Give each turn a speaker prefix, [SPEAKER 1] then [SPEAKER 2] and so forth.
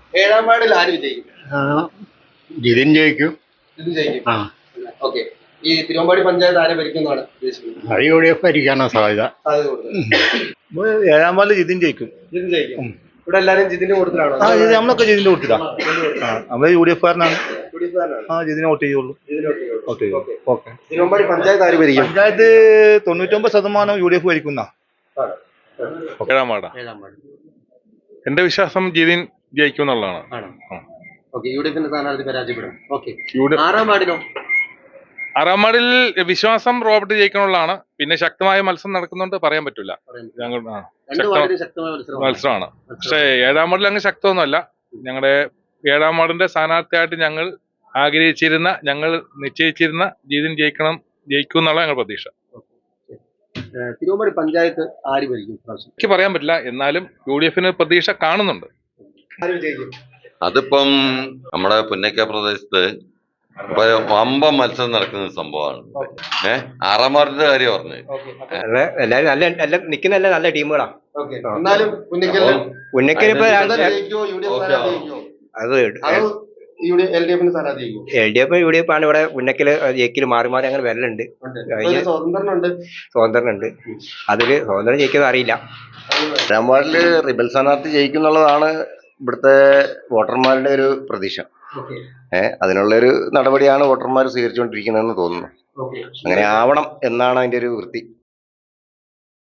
[SPEAKER 1] ഏഴാം വാർഡിൽ ആര് വിജയിക്കും?
[SPEAKER 2] ജിതിൻ ജയിക്കും.
[SPEAKER 1] ഇത് ജയിക്കും. ഓക്കെ. ഈ തിരുവമ്പാടി പഞ്ചായത്ത് ആരെ ഭരിക്കുന്നതാണ് ഉദ്ദേശിക്കുന്നത്?
[SPEAKER 2] അത് UDF ഭരിക്കാനാണ് സാധ്യത.
[SPEAKER 1] സാധ്യത കൂടുതൽ.
[SPEAKER 2] ഏഴാം വാർഡിൽ ജിതിൻ ജയിക്കും.
[SPEAKER 1] ജിതിൻ ജയിക്കും. ഇവിടെ എല്ലാരും ജിതിന്റെ കൂട്ടത്തിലാണോ?
[SPEAKER 2] നമ്മളൊക്കെ ജിതിന്റെ കൂട്ടിട്ടാ. നമ്മള് UDF കാരനാണ്. ജിതിനെ വോട്ട് ചെയ്യുള്ളൂ.
[SPEAKER 1] തിരുവമ്പാടി പഞ്ചായത്ത് ആര് ഭരിക്കും?
[SPEAKER 2] പഞ്ചായത്ത് 99% UDF ഭരിക്കുന്ന.
[SPEAKER 3] ഏഴാം വാർഡാ. എന്റെ വിശ്വാസം ജിതിൻ ജയിക്കും എന്നുള്ളതാണ്.
[SPEAKER 1] യുഡിഎഫിന്റെ സ്ഥാനാർത്ഥി പരാജയപ്പെടും. ആറാം വാർഡിനോ?
[SPEAKER 3] ആറാം വാർഡിൽ വിശ്വാസം റോബർട്ട് ജയിക്കണുള്ളതാണ്. പിന്നെ ശക്തമായ മത്സരം നടക്കുന്നുണ്ട്, പറയാൻ പറ്റില്ല. ഞങ്ങൾ മത്സരമാണ്. പക്ഷേ ഏഴാം വാർഡിൽ അങ്ങ് ശക്തമൊന്നുമല്ല. ഞങ്ങളുടെ ഏഴാം വാർഡിന്റെ സ്ഥാനാർത്ഥിയായിട്ട് ഞങ്ങൾ ആഗ്രഹിച്ചിരുന്ന, ഞങ്ങൾ നിശ്ചയിച്ചിരുന്ന ജിതിൻ ജയിക്കും എന്നുള്ള ഞങ്ങൾ പ്രതീക്ഷ.
[SPEAKER 1] തിരുവമ്പാടി പഞ്ചായത്ത് ആര് ഭരിക്കും?
[SPEAKER 3] എനിക്ക് പറയാൻ പറ്റില്ല. എന്നാലും UDFന് പ്രതീക്ഷ കാണുന്നുണ്ട്.
[SPEAKER 4] അതിപ്പം നമ്മുടെ പുന്നക്ക പ്രദേശത്ത് വമ്പം മത്സരം നടക്കുന്ന സംഭവമാണ്. ആറാം വാർഡിന്റെ കാര്യം പറഞ്ഞത്
[SPEAKER 5] എല്ലാരും നല്ല നിക്കുന്ന നല്ല ടീമുകളാ. LDF UDF ആണ് ഇവിടെ പുന്നക്കല് ജയിക്കല് മാറി മാറി അങ്ങനെ വരലുണ്ട്. സ്വതന്ത്രനുണ്ട്. അതില് സ്വതന്ത്രം ജയിക്കുന്നത് അറിയില്ല.
[SPEAKER 6] ഏഴാം വാർഡില് റിബൽ സ്ഥാനാർത്ഥി ജയിക്കുന്നുള്ളതാണ് ഇവിടുത്തെ വോട്ടർമാരുടെ ഒരു പ്രതീക്ഷ. അതിനുള്ളൊരു നടപടിയാണ് വോട്ടർമാർ സ്വീകരിച്ചുകൊണ്ടിരിക്കുന്നതെന്ന് തോന്നുന്നു. അങ്ങനെ ആവണം എന്നാണ് അതിന്റെ ഒരു വൃത്തി.